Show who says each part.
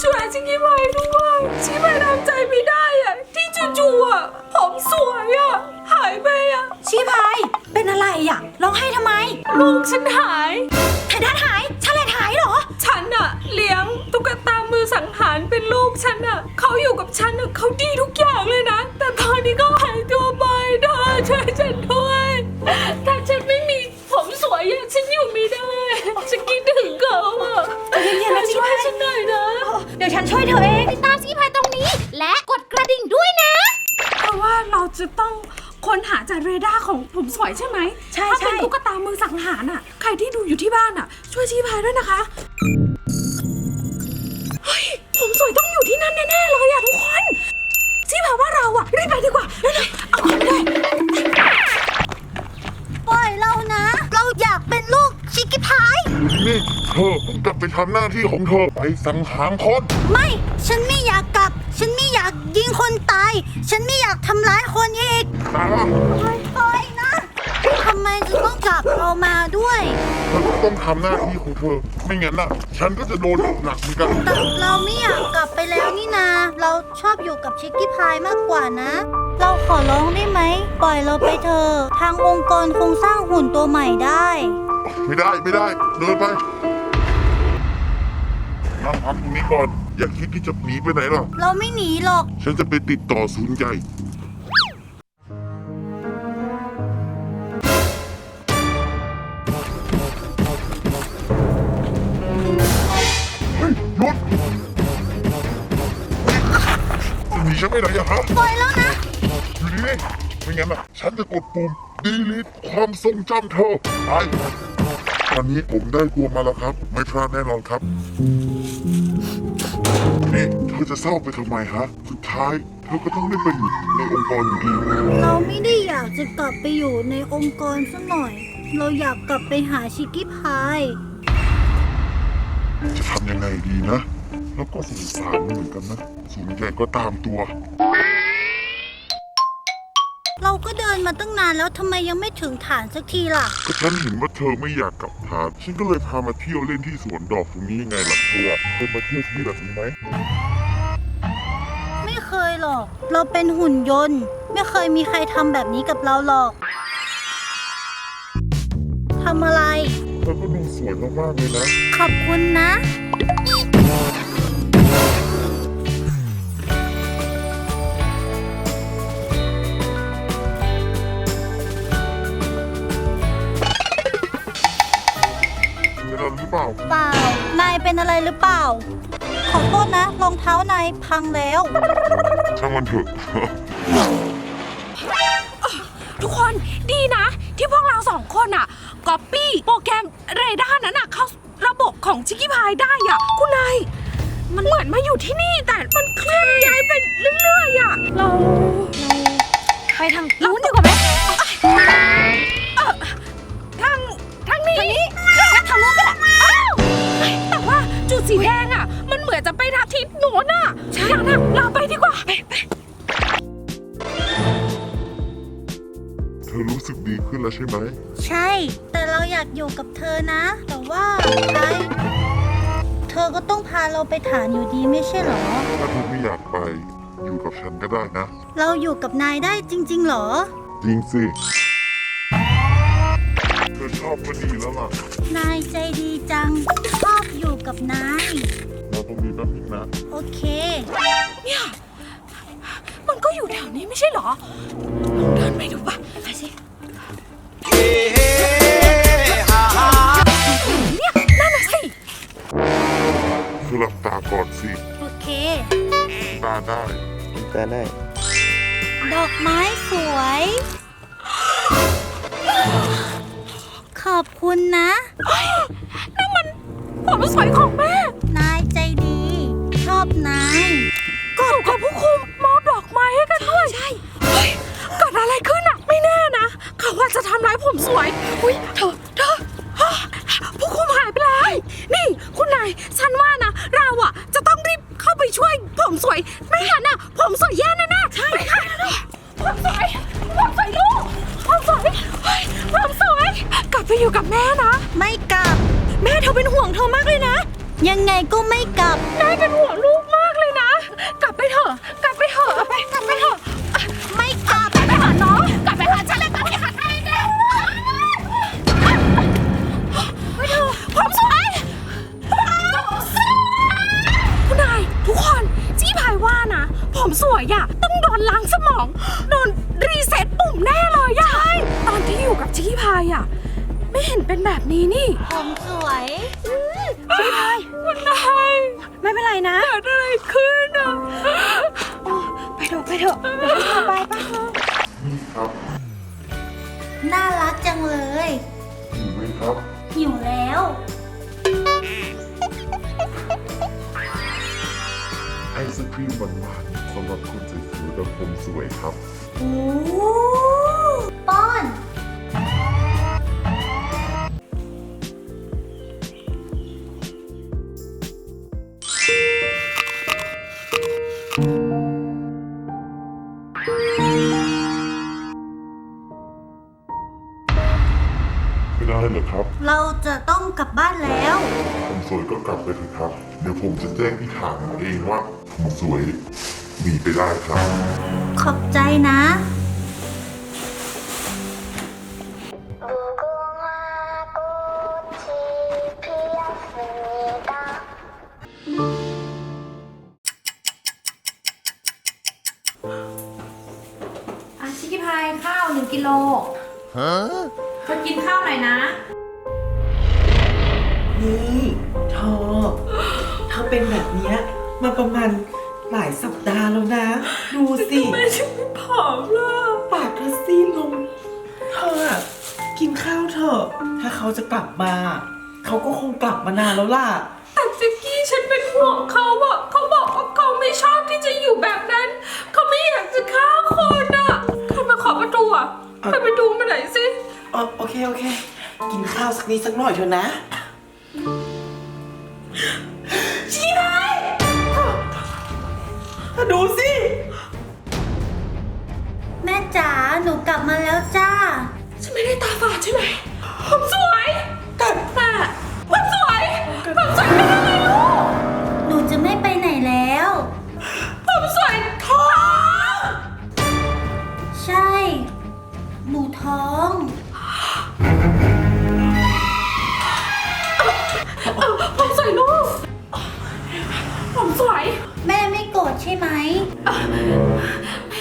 Speaker 1: ช่วยชิคกี้พายด้วยชิคกี้พายทำใจไม่ได้อะที่จู่ๆอะผมสวยอะหายไปอะชิคกี้พายเป็นอะไรอะร้องไห้ทำไมลูกฉันหายไททันหายฉันเลยหายเหรอฉันอะเลี้ยงตุ๊กตามือสังหารเป็นลูกฉันอะเขาอยู่กับฉันอะเขาดีทุกอย่างเลยนะแต่ตอนนี้ก็หายตัวไปเธอช่วยฉันด้วยถ้าฉันไม่มีผมสวยอะฉันอยู่ไม่ได้ฉันคิดถึงเขาอะเย็นๆนะช่วยฉันหน่อยนะเดี๋ยวฉันช่วยเธอเอง
Speaker 2: ติดตามชิคกี้พายตรงนี้และกดกระดิ่งด้วยนะ
Speaker 1: เพราะว่าเราจะต้องค้นหาจากเรดาร์ของผมสวยใช่ไหมใช่ถ้าเป็นตุ๊กตามือสังหารอ่ะใครที่ดูอยู่ที่บ้านอ่ะช่วยชี้พายด้วยนะคะเฮ้ยผมสวยต้องอยู่ที่นั่นแน่ๆเลยอ่ะทุกคนชี้พายว่าเราอ่ะรีบไปดีกว่าเร็วๆเอาของเลย
Speaker 2: ปล่อยเรานะเราอยากเป็นลูกชิคกี้พาย
Speaker 3: นี่เธอกลับไปทำหน้าที่ของเธอไปสังหารคน
Speaker 2: ไม่ฉันไม่อยากกลับฉันไม่อยากยิงคนตายฉันไม่อยากทำร้ายคนอีกปล่อยนะทำไมจะต้องจับเรามาด้วย
Speaker 3: เธอก็ต้องทำหน้าที่ของเธอไม่งั้นน่ะฉันก็จะโดนหนักเหมือนกัน
Speaker 2: แต่เราไม่อยากกลับไปแล้วนี่นาเราชอบอยู่กับชิคกี้พายมากกว่านะเราขอร้องได้ไหมปล่อยเราไปเถอะทางองค์กรคงสร้างหุ่นตัวใหม่ได้
Speaker 3: ไม่ได้เดินไปนั่งพักตรงนี้ก่อนอย่าคิดที่จะหนีไปไหนหรอก
Speaker 2: เราไม่หนีหรอก
Speaker 3: ฉันจะไปติดต่อศูนย์ใหญ่เฮ้ยหยุดจะหนีฉันไปไหนอะฮะ
Speaker 2: ปล่อยแล้วนะ
Speaker 3: อยู่นี่ไม่งั้นน่ะฉันจะกดปุ่ม delete ความทรงจำเธอไปตอนนี้ผมได้ตัวมาแล้วครับไม่พลาดแน่นอนครับนี่เธอจะเศร้าไปทำไมฮะสุดท้ายเธอก็ต้องได้ไปอยู่ในองค์กรอยู่ดี
Speaker 2: เราไม่ได้อยากจะกลับไปอยู่ในองค์กรสักหน่อยเราอยากกลับไปหาชิคกี้พาย
Speaker 3: จะทำยังไงดีนะแล้วก็สงสารเหมือนกันนะศูนย์ใหญ่ก็ตามตัว
Speaker 2: เราก็เดินมาตั้งนานแล้วทำไมยังไม่ถึงฐานสักทีล่ะ
Speaker 3: ก็ฉันเห็นว่าเธอไม่อยากกลับฐานฉันก็เลยพามาเที่ยวเล่นที่สวนดอกตรงนี้ยังไงล่ะเธอเคยมาเที่ยวที่แบบนี้ไหม
Speaker 2: ไม่เคยหรอกเราเป็นหุ่นยนต์ไม่เคยมีใครทำแบบนี้กับเราหรอกทำอะไร
Speaker 3: เธอก็ดูสวยมากๆเลยนะ
Speaker 2: ขอบคุณนะ
Speaker 3: หรือเปล่า
Speaker 2: เปล่านายเป็นอะไรหรือเปล่าขอโทษนะรองเท้านายพังแล้ว
Speaker 3: ช่างมันเถอะ
Speaker 1: ทุกคนดีนะที่พวกเราสองคนอ่ะก๊อปปี้โปรแกรมเรดาร์นั้นอ่ะเข้าระบบของชิคกี้พายได้อ่ะคุณนายมันเหมือนมาอยู่ที่นี่แต่มันเคลื่อนย้ายไปเรื่อยๆอ่ะเราไปทางนู้นดีกว่าไหมทางนี้ทางนู้นก็ได้แต่ว่าจุดสีแดงอ่ะมันเหมือนจะไปทางทิศโน้นอ่ะอย่างนั้นเราไปดีกว่าไป
Speaker 3: เธอรู้สึกดีขึ้นแล้วใช่ไหม
Speaker 2: ใช่แต่เราอยากอยู่กับเธอนะแต่ว่าเธอก็ต้องพาเราไปฐานอยู่ดีไม่ใช่หรอ
Speaker 3: ถ้าเธอไม่อยากไปอยู่กับฉันก็ได้นะ
Speaker 2: เราอยู่กับนายได้จริงๆหรอ
Speaker 3: จริงสิเธอชอบก็ดีแล้วล่ะ
Speaker 2: นายใจดีจังชอบอยู่กับนาย
Speaker 3: เราต้องมีแป๊บนึงนะ
Speaker 2: โอเค
Speaker 1: เนี่ยมันก็อยู่แถวนี้ไม่ใช่หรอลองเดินไปดูป่ะไปสิเนี่ยนั่นน่ะสิ
Speaker 3: เธอหลับตาก่อนสิ
Speaker 2: โอเค
Speaker 3: ตาได้
Speaker 2: ดอกไม้สวยขอบคุณนะ
Speaker 1: นั่นมันผมสวยของแม่
Speaker 2: นายใจดีชอบนาย
Speaker 1: ก็ถูกกับผู้คุมมอบดอกไม้ให้กันด้วยใช่เกิดอะไรขึ้นอ่ะไม่แน่นะเขาว่าจะทำร้ายผมสวยอุ้ยเธอผู้คุมหายไปแล้วนี่คุณนายฉันว่านะเราอ่ะจะต้องรีบเข้าไปช่วยผมสวยไม่งั้นอ่ะผมสวยแย่แน่ๆใช่ค่ะผมสวยลูกผมสวยกลับไปอยู่กับแม่นะ
Speaker 2: ไม่กลับ
Speaker 1: แม่เธอเป็นห่วงเธอมากเลยนะ
Speaker 2: ยังไงก็ไม่กลับ
Speaker 1: แม่เป็นห่วงลูกผมสวยอะต้องโดนล้างสมองโดนรีเซ็ตปุ่มแน่เลยอะใช่ตอนที่อยู่กับชิคกี้พายอะไม่เห็นเป็นแบบนี้นี่
Speaker 2: ผมสวย
Speaker 1: ชิคกี้พายคุณนายไม่เป็นไรนะเกิดอะไรขึ้นอะไปเถอะเดี๋ยวฉันพาไปป่ะ
Speaker 3: นี่ครับ
Speaker 2: น่ารักจังเลย
Speaker 3: หิวไหมครับ
Speaker 2: หิวแล้ว
Speaker 3: ไอศครีมหวานๆสำหรับคนสวยๆแบบผมสวยครับ
Speaker 2: โอ้ป้อน
Speaker 3: ไม่ได้เหรอครับ
Speaker 2: เราจะต้องกลับบ้านแล้ว
Speaker 3: ผมสวยก็กลับไปเถอะครับ เดี๋ยวผมจะแจ้งที่ฐานเองว่าผมสวยหนีไปได้ครับ
Speaker 2: ขอบใจนะ
Speaker 1: ชิคกี้พายข้าว1 กิโลเธอกินข้าวหน่อยนะ
Speaker 4: นี่เธอเป็นแบบเนี้ยมาประมาณหลายสัปดาห์แล้วนะ ดูสิ
Speaker 1: ไม่ใช่ผอมล่ะ
Speaker 4: ปากเธอซีดลงเธออะกินข้าวเถอะถ้าเขาจะกลับมา เขาก็คงกลับมานานแล้วล่ะ
Speaker 1: แต่จิกกี้ฉันเป็นห่วงเขาอะเขาบอกว่าเขาไม่ชอบที่จะอยู่แบบนั้น เขาไม่อยากจะฆ่าคนอะใครมาขอประตูอะไปดูมาหน่อยสิ
Speaker 4: โอเค กินข้าวสักนิดสักหน่อยเถอะนะชี้ไปดูสิ
Speaker 2: แม่จ๋า หนูกลับมาแล้วจ้า
Speaker 1: ฉันไม่ได้ตาฝาดใช่ไหมผมสวยแต่ผมสวยผมสวยเป็นอะไรลูก
Speaker 2: หนูจะไม่ไปไหนแล้ว
Speaker 1: ผมสวยท้อง
Speaker 2: ใช่ หนูท้อง
Speaker 1: ผมสวยลูกผมสวย
Speaker 2: แม่ไม่โกรธใช่ไหม
Speaker 1: ถ